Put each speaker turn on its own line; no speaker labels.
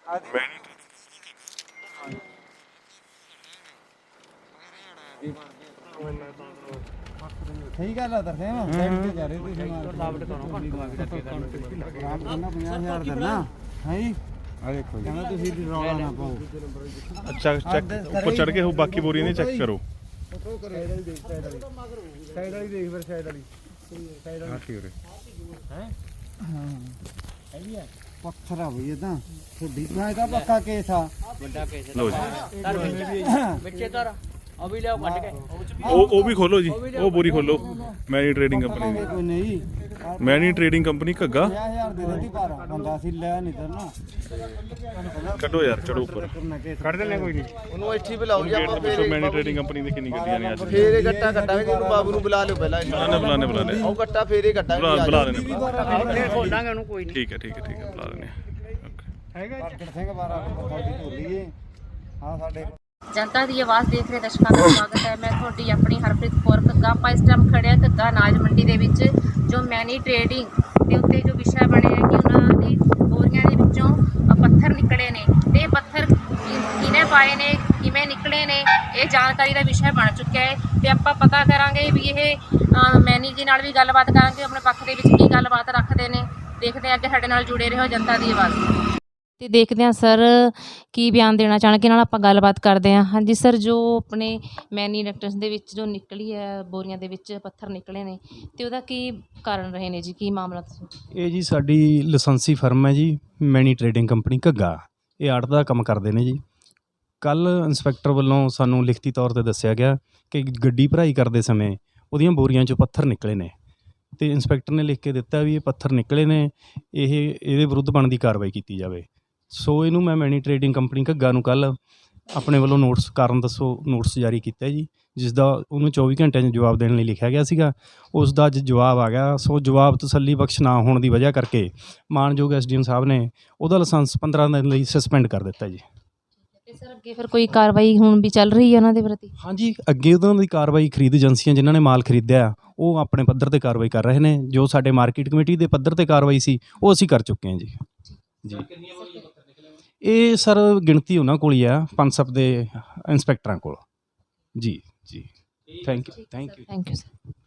ਸਹੀ ਗੱਲ ਆ ਤਰਸੇਮ ਬੈਠ ਕੇ ਜਾ ਰਹੇ ਤੁਸੀਂ ਲਾਵਟ ਕਰੋ ਆਰਾਮ ਕਰਨਾ 50,000 ਦੇਣਾ ਹੈ ਜੀ ਆ ਦੇਖੋ ਕਹਿੰਦਾ ਤੁਸੀਂ ਵੀ ਰੌਲਾ ਨਾ ਪਾਓ।
ਅੱਛਾ ਚੈੱਕ ਉੱਪਰ ਚੜ ਕੇ ਬਾਕੀ ਬੋਰੀਆਂ ਨੇ ਚੈੱਕ ਕਰੋ।
ਸਾਈਡ ਵਾਲੀ ਦੇਖ ਫਿਰ ਸਾਈਡ ਵਾਲੀ
ਹਾਂ ਠੀਕ ਹੈ
ਹੈ ਹਾਂ ਹੈਗੀ ਆ ਪੱਥਰ ਆ ਬਈ ਇਹ ਤਾਂ ਤੁਹਾਡੀ ਮੈਂ ਤਾਂ ਪੱਕਾ ਕੇਸ ਆ
ਵੱਡਾ ਕੇਸ
ਲਓ ਜੀ
ਵਿੱਚੇ ਧਰ ਉਹ ਵੀ ਲਿਆਓ ਕੱਢ ਕੇ
ਉਹ ਵੀ ਖੋਲੋ ਜੀ, ਉਹ ਬੋਰੀ ਖੋਲੋ। ਮੈਨੀ ਟ੍ਰੇਡਿੰਗ ਕੰਪਨੀ ਦੀ,
ਕੋਈ ਨਹੀਂ
ਮੈਨੀ ਟ੍ਰੇਡਿੰਗ ਕੰਪਨੀ ਘੱਗਾ।
50,000 ਦੇ ਦਿੱਤੀ ਪਰ ਬੰਦਾ ਸੀ ਲੈ ਨਹੀਂ ਕਰਨਾ
ਕੱਢੋ ਯਾਰ, ਚੜੋ ਉੱਪਰ
ਕੱਢ ਦਿੰਦੇ ਕੋਈ ਨਹੀਂ
ਉਹਨੂੰ ਇੱਥੇ ਬੁਲਾਓ ਜੀ ਆਪਾਂ
ਪੁੱਛੋ ਮੈਨੀ ਟ੍ਰੇਡਿੰਗ ਕੰਪਨੀ ਦੀ ਕਿੰਨੀ ਗੱਡੀਆਂ ਨੇ ਅੱਜ।
ਫੇਰ ਇਹ ਗੱਟਾ ਕੱਟਾਂਗੇ ਜਿਹਨੂੰ ਬਾਬੂ ਨੂੰ ਬੁਲਾ ਲਿਓ ਪਹਿਲਾਂ
ਬੁਲਾਣੇ
ਉਹ ਗੱਟਾ ਫੇਰ ਇਹ ਕੱਟਾਂਗੇ
ਬੁਲਾ ਲੈਣੇ।
ਖੋਲਾਂਗੇ ਉਹਨੂੰ ਕੋਈ ਨਹੀਂ।
ਠੀਕ ਹੈ ਬੁਲਾ ਲੈਣੇ।
ਹੈਗਾ ਸਿੰਘ ਬਾਰਾ ਤੁਹਾਡੀ ਢੋਲੀ ਏ ਹਾਂ ਸਾਡੇ
ਜਨਤਾ ਦੀ ਆਵਾਜ਼ ਦੇਖ ਰਹੇ ਦਰਸ਼ਕਾਂ ਦਾ ਸਵਾਗਤ ਹੈ। ਮੈਂ ਤੁਹਾਡੀ ਆਪਣੀ ਹਰਪ੍ਰੀਤ ਕੌਰ ਘੱਗਾ। ਆਪਾਂ ਇਸ ਟਾਈਮ ਖੜਿਆ ਘੱਗਾ ਅਨਾਜ ਮੰਡੀ ਦੇ ਵਿੱਚ ਜੋ ਮੈਨੀ ਟ੍ਰੇਡਿੰਗ ਦੇ ਉੱਤੇ ਜੋ ਵਿਸ਼ਾ ਬਣਿਆ ਕਿ ਉਹਨਾਂ ਦੀ ਬੋਰੀਆਂ ਦੇ ਵਿੱਚੋਂ ਪੱਥਰ ਨਿਕਲੇ ਨੇ ਤੇ ਇਹ ਪੱਥਰ ਕਿਹਨੇ ਪਾਏ ਨੇ, ਕਿਵੇਂ ਨਿਕਲੇ ਨੇ, ਇਹ ਜਾਣਕਾਰੀ ਦਾ ਵਿਸ਼ਾ ਬਣ ਚੁੱਕਿਆ ਹੈ ਤੇ ਆਪਾਂ ਪਤਾ ਕਰਾਂਗੇ ਵੀ ਇਹ ਮੈਨੀ ਜੀ ਨਾਲ ਵੀ ਗੱਲਬਾਤ ਕਰਾਂਗੇ, ਆਪਣੇ ਪੱਖ ਦੇ ਵਿੱਚ ਕੀ ਗੱਲਬਾਤ ਰੱਖਦੇ ਨੇ। ਦੇਖਦੇ ਹਾਂ, ਅੱਗੇ ਸਾਡੇ ਨਾਲ ਜੁੜੇ ਰਹੋ ਜਨਤਾ ਦੀ ਆਵਾਜ਼ ਤੇ ਦੇਖਦੇ ਹਾਂ ਸਰ ਕੀ ਬਿਆਨ ਦੇਣਾ ਚਾਹਣਗੇ। ਨਾਲ ਆਪਾਂ ਗੱਲਬਾਤ ਕਰਦੇ ਹਾਂ। ਹਾਂਜੀ ਸਰ, ਜੋ ਆਪਣੇ ਮੈਨੀ ਇਲੈਕਟ੍ਰੋਨਿਕਸ ਦੇ ਵਿੱਚ ਜੋ ਨਿਕਲੀ ਹੈ ਬੋਰੀਆਂ ਦੇ ਵਿੱਚ ਪੱਥਰ ਨਿਕਲੇ ਨੇ ਤੇ ਉਹਦਾ ਕੀ ਕਾਰਨ ਰਹੇ ਨੇ ਜੀ, ਕੀ ਮਾਮਲਾ ਤੁਸੀਂ?
ਇਹ ਜੀ ਸਾਡੀ ਲਾਇਸੈਂਸੀ ਫਰਮ ਹੈ ਜੀ, ਮੈਨੀ ਟ੍ਰੇਡਿੰਗ ਕੰਪਨੀ ਘੱਗਾ। ਇਹ ਆੜਤ ਦਾ ਕੰਮ ਕਰਦੇ ਨੇ ਜੀ। ਕੱਲ੍ਹ ਇੰਸਪੈਕਟਰ ਵੱਲੋਂ ਸਾਨੂੰ ਲਿਖਤੀ ਤੌਰ 'ਤੇ ਦੱਸਿਆ ਗਿਆ ਕਿ ਗੱਡੀ ਭਰਾਈ ਕਰਦੇ ਸਮੇਂ ਉਹਦੀਆਂ ਬੋਰੀਆਂ 'ਚੋਂ ਪੱਥਰ ਨਿਕਲੇ ਨੇ ਅਤੇ ਇੰਸਪੈਕਟਰ ਨੇ ਲਿਖ ਕੇ ਦਿੱਤਾ ਵੀ ਇਹ ਪੱਥਰ ਨਿਕਲੇ ਨੇ, ਇਹਦੇ ਵਿਰੁੱਧ ਬਣਦੀ ਕਾਰਵਾਈ ਕੀਤੀ ਜਾਵੇ। ਸੋ ਇਹਨੂੰ ਮੈਂ ਮੈਨੀ ਟ੍ਰੇਡਿੰਗ ਕੰਪਨੀ ਘੱਗਾ ਨੂੰ ਕੱਲ੍ਹ ਆਪਣੇ ਵੱਲੋਂ ਨੋਟਿਸ ਜਾਰੀ ਕੀਤਾ ਜੀ, ਜਿਸ ਦਾ ਉਹਨੂੰ 24 ਘੰਟਿਆਂ 'ਚ ਜਵਾਬ ਦੇਣ ਲਈ ਲਿਖਿਆ ਗਿਆ ਸੀਗਾ। ਉਸ ਦਾ ਅੱਜ ਜਵਾਬ ਆ ਗਿਆ। ਸੋ ਜਵਾਬ ਤਸੱਲੀ ਬਖਸ਼ ਨਾ ਹੋਣ ਦੀ ਵਜ੍ਹਾ ਕਰਕੇ ਮਾਣਯੋਗ SDM ਸਾਹਿਬ ਨੇ ਉਹਦਾ ਲਾਇਸੈਂਸ 15 ਦਿਨ ਲਈ ਸਸਪੈਂਡ ਕਰ ਦਿੱਤਾ ਜੀ।
ਤੇ ਸਰ ਅੱਗੇ ਫਿਰ ਕੋਈ ਕਾਰਵਾਈ ਹੁਣ ਵੀ ਚੱਲ ਰਹੀ ਹੈ ਉਹਨਾਂ ਦੇ ਪ੍ਰਤੀ?
ਹਾਂਜੀ, ਅੱਗੇ ਉਹਨਾਂ ਦੀ ਕਾਰਵਾਈ ਖਰੀਦ ਏਜੰਸੀਆਂ ਜਿਨ੍ਹਾਂ ਨੇ ਮਾਲ ਖਰੀਦਿਆ ਉਹ ਆਪਣੇ ਪੱਧਰ 'ਤੇ ਕਾਰਵਾਈ ਕਰ ਰਹੇ ਨੇ। ਜੋ ਸਾਡੇ ਮਾਰਕੀਟ ਕਮੇਟੀ ਦੇ ਪੱਧਰ 'ਤੇ ਕਾਰਵਾਈ ਸੀ ਉਹ ਅਸੀਂ ਕਰ ਚੁੱਕੇ ਹਾਂ ਜੀ। ਇਹ ਸਰ ਗਿਣਤੀ ਉਹਨਾਂ ਕੋਲ ਹੀ ਆ, ਪਨਸਪ ਦੇ ਇੰਸਪੈਕਟਰਾਂ ਕੋਲ ਜੀ। Thank you
sir.